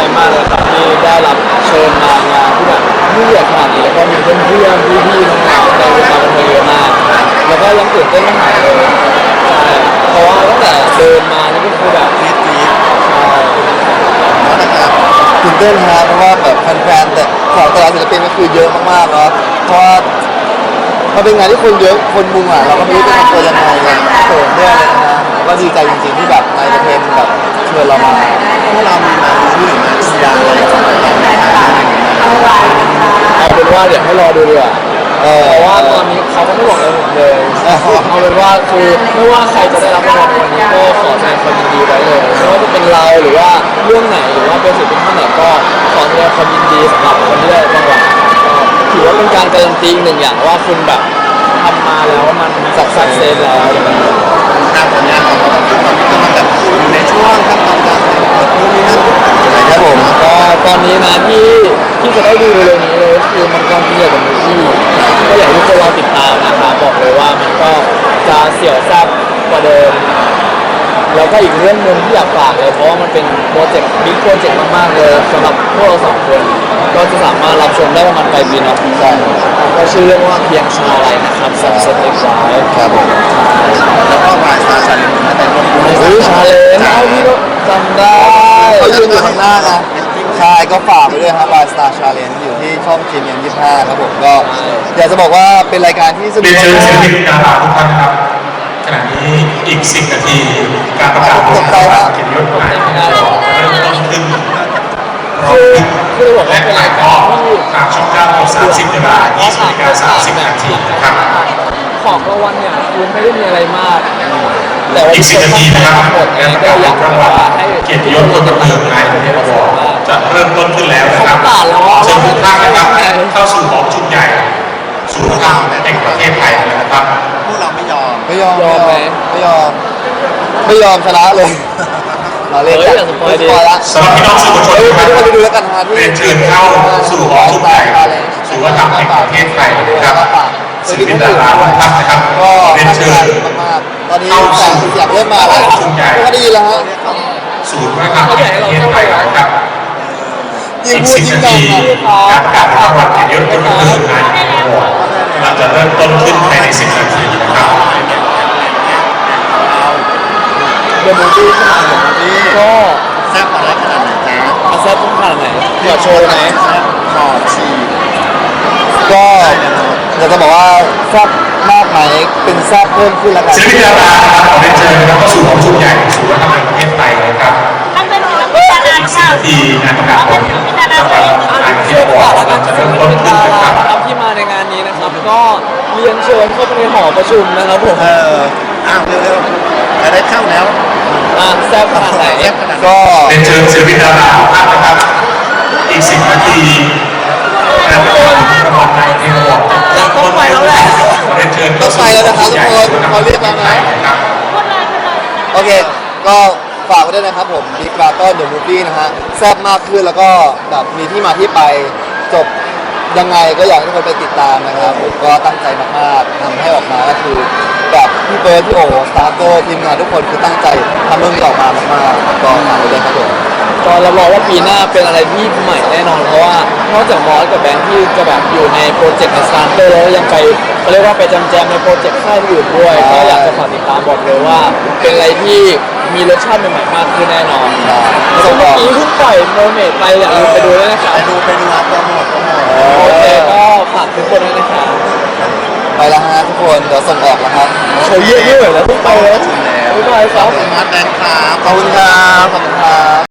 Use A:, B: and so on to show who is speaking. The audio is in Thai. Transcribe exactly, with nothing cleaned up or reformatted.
A: มากเลยครับที่ได้รับเชิญมางานที่แบบยิ่งใหญ่ขนาดนี้แล้วก็มีเพื่อนเพื่อนพี่พี่ๆน้องๆในวงการบันเทิงเยอะมากแล้วก็ยังตื่นเต้นไม่หายเลยใช่เพราะว่าตั้งแต่เดินมานี่ก็คือแบบฟีดฟีดใช่
B: นะครับตื่นเต้นครับเพราะว่าแบบแฟนๆแต่ของแต่ละศิลปินก็คือเยอะมากๆเนาะเพราะว่ามันเป็นงานที่คนเยอะคนมุงอ่ะเราก็ไม่รู้จะทำตัวยังไงเลยเขินด้วยเลยนะก็ดีใจจริงๆที่แบบนายเทนแบบเชิญเรามาพวกเรามีมาชื่อมาเชียร์อะไรของเรา
A: เอาเป็นว่าเดี๋ยวให้รอดูดีกว่าเพราะว่าตอนนี้เขาก็ไม่บอกอะไรผมเลยเอาเป็นว่าคือไม่ว่าใครจะได้รับรางวัลวันนี้ก็ขอแสดงความยินดีไว้เลยไม่ว่าจะเป็นเราหรือว่าเรื่องไหนหรือว่าเป็นศิลปินท่านไหนก็ขอแสดงความยินดีสำหรับคนที่ได้รางวัลก็ถือว่าเป็นการการันตีหนึ่งอย่างว่าคุณแบบทำมาแล้วมันสักสักเซนแล้วอย่างเงี้ย
B: ทางผลงานของเราคือตอนนี้กำลังแบบอยู่ในช่วงขั้นตอนการนู่นนี่นั่นครับผม
A: ก็ตอนนี้นะที่ที่จะได้ดูเร็วๆนี้เลยคือมันกำลังเกี่ยวกับมูฟี่ก็อยากให้ทุกคนรอติดตามนะครับบอกเลยว่ามันก็จะเสี่ยวแซ่บกว่าเดิมแล้วก็อีกเรื่องหนึ่งที่อยากฝากเลยเพราะว่ามันเป็นโปรเจกต์บิ๊กโปรเจกต์มากๆเลยสำหรับพวกเราสองคนก็จะสามารถรับชมได้ประมาณปลายปีเนาะใช่ก็ชื่อเรื่องว่าเพียงชาอะไรนะครับสับเซตเอ็กซ์ไลท์
B: ครับผมแล้วก็วายสตาร์ชาเลนจ์นะแต่ก็
A: มีชาเลนจ์เอาพี่ก็จำได้
B: เขายืนอยู่ข้างหน้านะใช่ก็ฝากไปด้วยครับวายสตาร์ชาเลนจ์อยู่ที่ช่องทีมเอ็มยี่สิบห้าครับผมก็อยากจะบอกว่าเป็นรายการที่สนุก
C: เรียนเชิญศิลปินดาราทุกท่านครับขณะนี้อีกสิบนาทีการประกาศผลรางวัลเกียรติยศหมายเลขเริ่มต้นขึ้น
A: คือคือบอกว่า
C: และ
A: เป็นรายกา
C: ก็
A: รที่
C: ทางช่องเก้าสามสิบเวลายี่สิบนาฬิกาสามสิบนาทีครับ
A: ของรางวัลเนี่ยคือไม่ได้มีอะไรมากแต่ว่า
C: อีกสิบนาทีนะครับการประกาศผลรางวัลเกียรติยศคนบันเทิงนายประเทศวอจะเริ่มต้นขึ้นแล้วนะครับเชิญทุกท่านนะครับเข้าสู่หอประชุมใหญ่ศูนย์การแห่งประเทศไทยนะครับ
B: พวกเราไม่ยอมไม่ยอม
A: ยอมไหม
B: ไม่ยอมไม่ยอมชนะเลยเราเล่นกัน
A: สปอยดี
C: สำหรับพี่น้องสื่อมวลชน
B: ทุกคนดูแล้วกันนะ
C: เรียนเชิญเข้าสู่หอประชุมใหญ่ศูนย์วัฒนธรรมแห่งประเทศไทยนะครับศิลปินดาราทุกท่านนะครับ
B: ก็
C: เรียนเชิญ
B: มากๆตอนนี้แสงสีเสียงเริ่มมาแล้วก็ดีแล้วฮะ
C: ศูนย์วัฒนธรรมแห่งประเทศไทยนะครับ
B: ยิ่งพูดยิ่งดัง
C: การประกาศรางวัลเกียรติยศคนบันเทิงนายประวัติเราจะเริ่มต้นขึ้นภายในสิบนาทีนะครับ
A: เดอะมูฟวี่ขนาดไหนก็
B: แซ่บอะไรขนาดไหนจ๊ะ
A: แซ่บขนาดไหนขอโชว์ไหม
B: ขอชีก็อยากจะบอกว่าแซ่บมากไหมเป็นแซ่บเพิ่มขึ้นแล้วกัน
C: ศิลปินดาราครับขอเรียนเชิญนะครับเข้าสู่หอประชุมใหญ่ศูนย์วัฒนธรรมแห่งประเทศไทยนะครับ
D: ท่านเป็นศิลปินดารา
C: อีกสิบนาทีงานประกาศผลรางวัลนายประเทศวอร์จะเริ่มต้นขึ้นนะครับ
A: ที่มาในงานนี้นะครับก็เรียนเชิญเข้าไปในหอประชุมนะครับผม
B: เอออ้าวเร็วๆจะได้เข้าแล้ว
A: อ่ะแซ่บขนาดไหน
B: ก็
C: เรียนเชิญศิลปินดาราทุกท่านนะครับอีกสิบนาทีงานประกาศผลรางวัลนายประเทศวอร์จะเริ่มต้นขึ้นนะครับเรียนเชิญ
B: ต้องไปแล้วนะครับทุกคนเขาเรียกแล้วนะโอเคก็ฝากไว้ด้วยนะครับผมบิ๊กบาร์ก็เดอะมูฟวี่นะฮะแซ่บมากขึ้นแล้วก็แบบมีที่มาที่ไปจบยังไงก็อยากให้ทุกคนไปติดตามนะครับผมก็ตั้งใจมากๆทำให้ออกมาก็คือแบบพี่เบิร์ดพี่โอสตาร์โตทีมงานทุกคนคือตั้งใจทำเรื่องนี้ออกมามากๆก็ฝากไว้ด้วยครับผม
A: ก็รับรองว่าปีหน้าเป็นอะไรที่ใหม่แน่นอนเพราะว่านอกจากมอสกับแบงค์ที่จะแบบอยู่ในโปรเจกต์ในสตาร์เตอร์แล้วยังไปเขาเรียกว่าไปจำแจมในโปรเจกต์ค่ายอื่นด้วยก็อยากจะฝากติดตามบอกเลยว่าเป็นอะไรที่มีรสชาติใหม่ๆมากขึ้นแน่นอนแล้วเมื่อกี้เพิ่งปล่อยโมเมนต์ไปอยากดูไปดูด้วยนะครับ
B: ไปดูไปดูครับโปรโมทโปรโมท
A: โอเคก็ฝากทุกคนด้วยนะครับ
B: ไปแล้วฮะทุกคนเดี๋ยวส่งออกแล้วครับ
A: เขาเยอะๆแล้วทุกไปแล้วบ๊ายบายครับ
B: มาแบงค์ครับขอบคุณครับขอบคุณครับ